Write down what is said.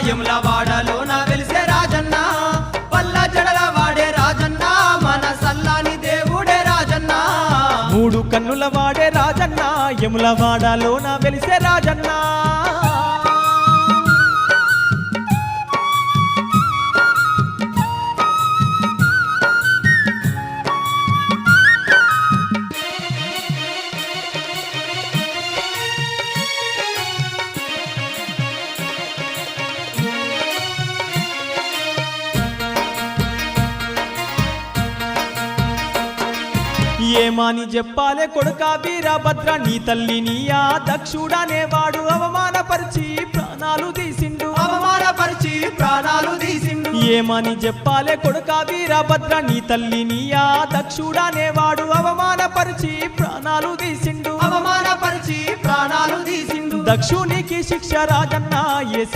యములవాడలోన వెలిసే రాజన్న పల్ల జడల వాడే రాజన్న మన సల్లాని దేవుడే రాజన్న మూడు కన్నుల వాడే రాజన్న యములవాడలోన వెలిసే రాజన్న ఏమాని చెప్పాలే కొడుకా వీరభద్ర నీ తల్లి నీయా దక్షుడనేవాడు అవమానపరిచి ప్రాణాలు తీసిండు ఏమని చెప్పాలే కొడుకా వీరభద్ర నీ తల్లి నీయా దక్షుడనేవాడు అవమానపరిచి ప్రాణాలు తీసిండు దక్షునికి శిక్ష రాజన్న